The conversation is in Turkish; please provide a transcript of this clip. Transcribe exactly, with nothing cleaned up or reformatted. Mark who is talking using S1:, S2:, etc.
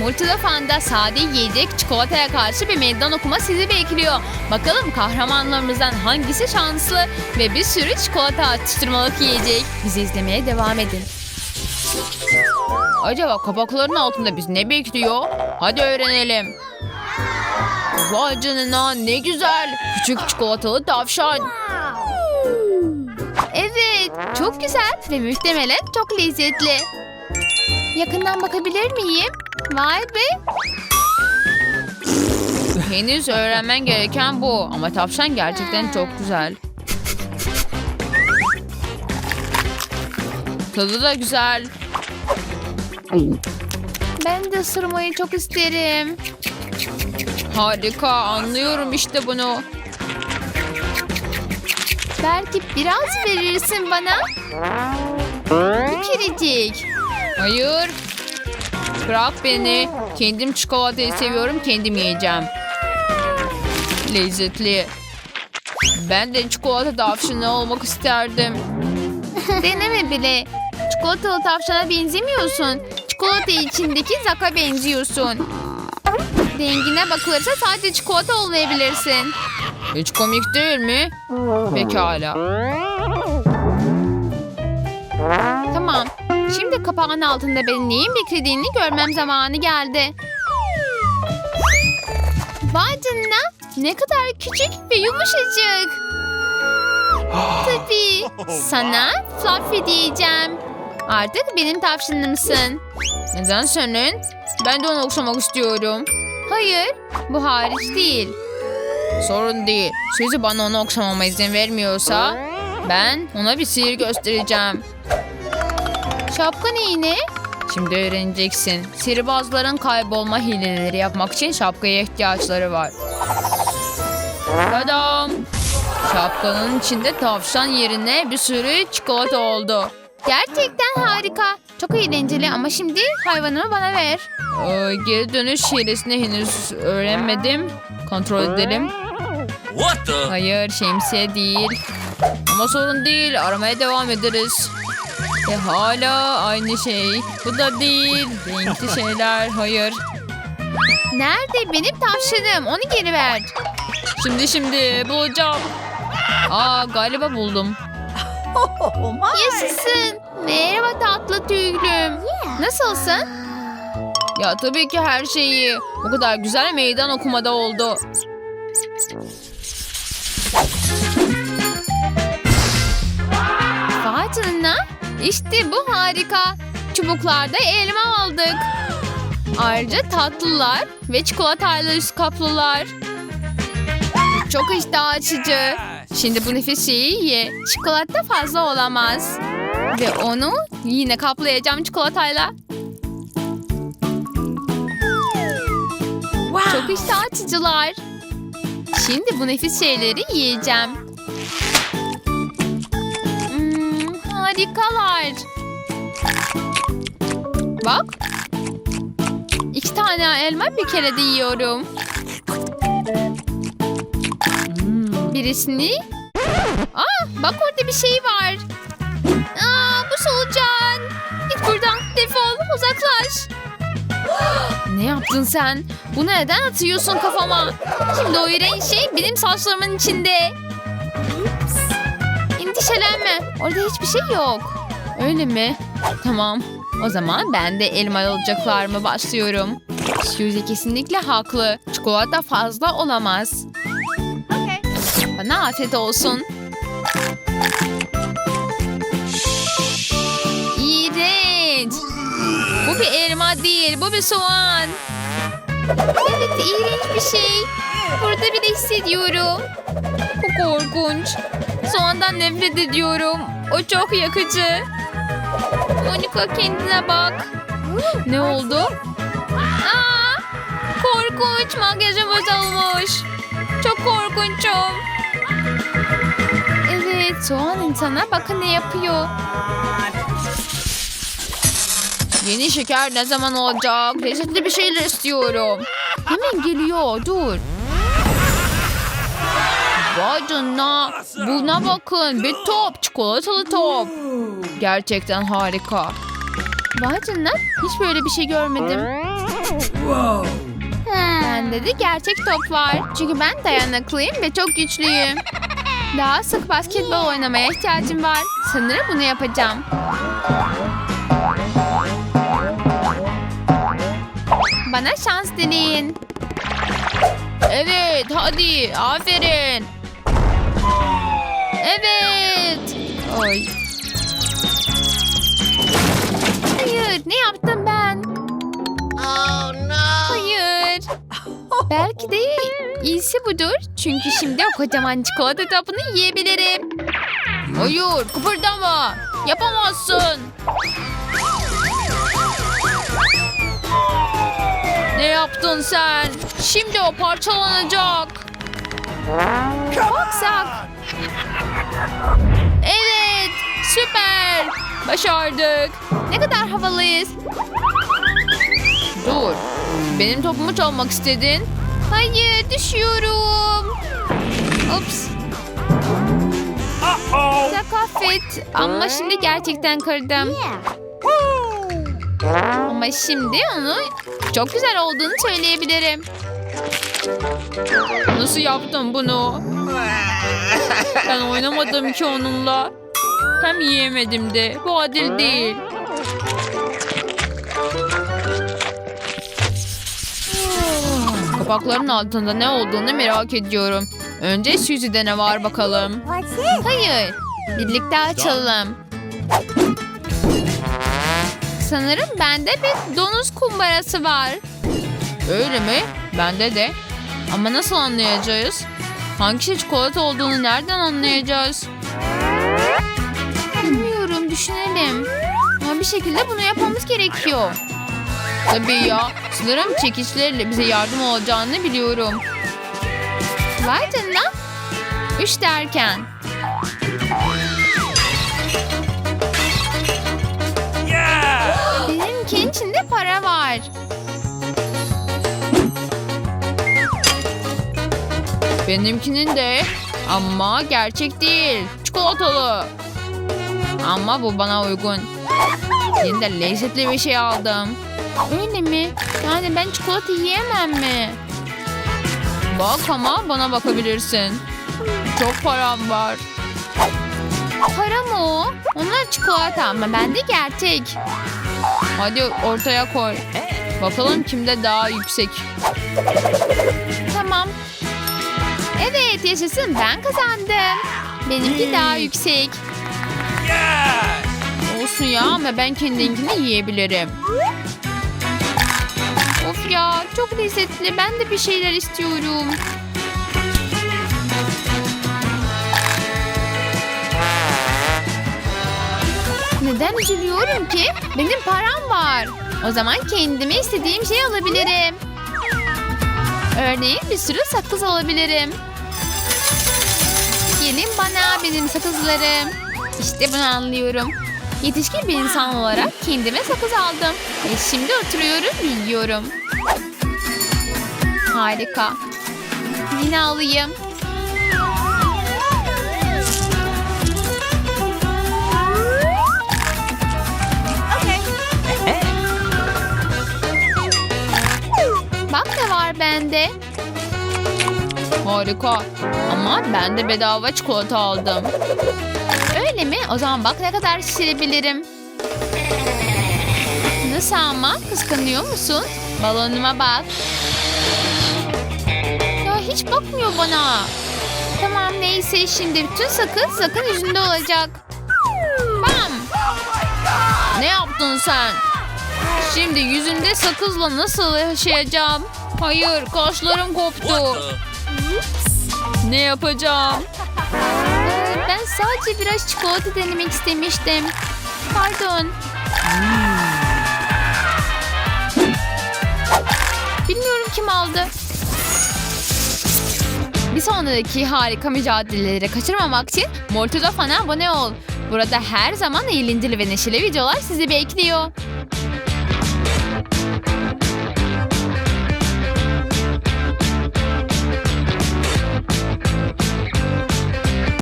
S1: Yumurtalı Fanda sade yiyecek çikolataya karşı bir meydan okuma sizi bekliyor. Bakalım kahramanlarımızdan hangisi şanslı ve bir sürü çikolata atıştırmalık yiyecek. Bizi izlemeye devam edin. Acaba kapakların altında bizi ne bekliyor? Hadi öğrenelim. Vay canına, ne güzel. Küçük çikolatalı tavşan. Evet, çok güzel ve muhtemelen çok lezzetli. Yakından bakabilir miyim? Vay be. Henüz öğrenmen gereken bu. Ama tavşan gerçekten çok güzel. Tadı da güzel. Ben de ısırmayı çok isterim. Harika, anlıyorum işte bunu. Belki biraz verirsin bana. Bir kerecik. Hayır. Bırak beni. Kendim çikolatayı seviyorum, kendim yiyeceğim. Lezzetli. Ben de çikolata tavşanı olmak isterdim. Deneme bile. Çikolatalı tavşana benzemiyorsun. Çikolata içindeki zaka benziyorsun. Rengine bakılırsa sadece çikolata olmayabilirsin. Hiç komik değil mi? Pekala. Tamam. Şimdi kapağın altında beni neyin beklediğini görmem zamanı geldi. Vay canına. Ne kadar küçük ve yumuşacık. Tabii. Sana Fluffy diyeceğim. Artık benim tavşanımsın. Neden senin? Ben de onu okşamak istiyorum. Hayır, bu hariç değil. Sorun değil. Suzy bana onu okşamama izin vermiyorsa ben ona bir sihir göstereceğim. Şapka neyine? Şimdi öğreneceksin. Sihirbazların kaybolma hileleri yapmak için şapkaya ihtiyaçları var. Tadam! Şapkanın içinde tavşan yerine bir sürü çikolata oldu. Gerçekten harika. Çok eğlenceli ama şimdi hayvanımı bana ver. Ee, geri dönüş hilesini henüz öğrenmedim. Kontrol edelim.
S2: What the?
S1: Hayır, şemsiye değil. Ama sorun değil, aramaya devam ederiz. E hala aynı şey. Bu da değil. Renkli şeyler, hayır. Nerede benim tavşanım? Onu geri ver. Şimdi şimdi bulacağım. Aa, galiba buldum. Yaşasın. Merhaba tatlı tüylüm. Nasılsın? Ya tabii ki her şeyi. Bu kadar güzel meydan okumada oldu. Vay canına. İşte bu harika. Çubuklarda elma aldık. Ayrıca tatlılar ve çikolatayla üst kaplılar. Çok iştah açıcı. Şimdi bu nefis şeyi ye. Çikolata fazla olamaz. Ve onu yine kaplayacağım çikolatayla.
S2: Wow.
S1: Çok iştah açıcılar. Şimdi bu nefis şeyleri yiyeceğim. Hmm, harikalar. Bak. İki tane elma bir kere de yiyorum. Birisini... Aa, bak orada bir şey var. Aa, bu solucan. Git buradan, defol, uzaklaş. Ne yaptın sen? Bunu neden atıyorsun kafama? Şimdi o iğrenç şey benim saçlarımın içinde. Endişelenme. Orada hiçbir şey yok. Öyle mi? Tamam. O zaman ben de elma alacaklarıma başlıyorum. Suzy kesinlikle haklı. Çikolata fazla olamaz. Bana afiyet olsun. İğrenç. Bu bir elma değil, bu bir soğan. Evet, iğrenç bir şey. Burada bile hissediyorum. Bu korkunç. Soğandan nefret ediyorum. O çok yakıcı. Monika, kendine bak. Ne oldu? Aa, korkunç. Makyajım bozulmuş. Çok korkunçum. Evet, soğan insana bakın ne yapıyor. Yeni şeker ne zaman olacak? Lezzetli bir şeyler istiyorum. Hemen geliyor, dur. Vay canına. Buna bakın, bir top, çikolatalı top. Gerçekten harika. Vay canına, hiç böyle bir şey görmedim. Bende de gerçek top var. Çünkü ben dayanıklıyım ve çok güçlüyüm. Daha sık basketbol oynamaya ihtiyacım var. Sanırım bunu yapacağım. Bana şans dileyin. Evet, hadi. Aferin. Evet. Oy. Hayır, ne yaptım ben?
S2: Oh no!
S1: Hayır. Belki de iyisi budur. Çünkü şimdi o kocaman çikolata topunu yiyebilirim. Hayır, kıpırdama. Yapamazsın. Ne yaptın sen? Şimdi o parçalanacak. Baksak. Evet, süper. Başardık. Ne kadar havalıyız. Dur. Benim topumu çalmak istedin. Hayır, düşüyorum. Ups. Sen affet. Ama şimdi gerçekten kırdım. Ama şimdi onu çok güzel olduğunu söyleyebilirim. Nasıl yaptın bunu? Ben oynamadım ki onunla. Hem yiyemedim de. Bu adil değil. Kapakların altında ne olduğunu merak ediyorum. Önce Susie'de ne var bakalım. Hayır. Birlikte açalım. Sanırım bende bir donuz kumbarası var. Öyle mi? Bende de. Ama nasıl anlayacağız? Hangisi çikolata olduğunu nereden anlayacağız? Bilmiyorum, düşünelim. Ama bir şekilde bunu yapmamız gerekiyor. Tabii ya. Sanırım çekiçlerle bize yardım olacağını biliyorum. Vay canına. Üç derken. Benimkinin içinde para var. Benimkinin de. Ama gerçek değil. Çikolatalı. Ama bu bana uygun. Yine de lezzetli bir şey aldım. Öyle mi? Yani ben çikolata yiyemem mi? Bak ama bana bakabilirsin. Çok param var. Para mı o? Onlar çikolata ama bende gerçek. Hadi ortaya koy. Bakalım kimde daha yüksek. Tamam. Evet, yaşasın, ben kazandım. Benimki daha yüksek. Olsun ya, ama ben kendinkini yiyebilirim. Of ya, çok lezzetli. Ben de bir şeyler istiyorum. Neden üzülüyorum ki? Benim param var. O zaman kendime istediğim şey alabilirim. Örneğin bir sürü sakız alabilirim. Gelin bana benim sakızlarım. İşte bunu anlıyorum. Yetişkin bir insan olarak kendime sakız aldım. Ve şimdi oturuyorum ve yiyorum. Harika. Yine alayım. Bak ne var bende. Harika. Ama ben de bedava çikolata aldım. Öyle mi? O zaman bak ne kadar şişirebilirim. Nasıl ama? Kıskanıyor musun? Balonuma bak. Ya hiç bakmıyor bana. Tamam neyse, şimdi bütün sakız sakın yüzünde olacak. Bam! Ne yaptın sen? Şimdi yüzünde sakızla nasıl yaşayacağım? Hayır, kaşlarım koptu. Ne yapacağım? Ee, ben sadece biraz çikolata denemek istemiştim. Pardon. Bilmiyorum kim aldı. Bir sonraki harika mücadeleleri kaçırmamak için Mortoda Fan'a abone ol. Burada her zaman eğlenceli ve neşeli videolar sizi bekliyor.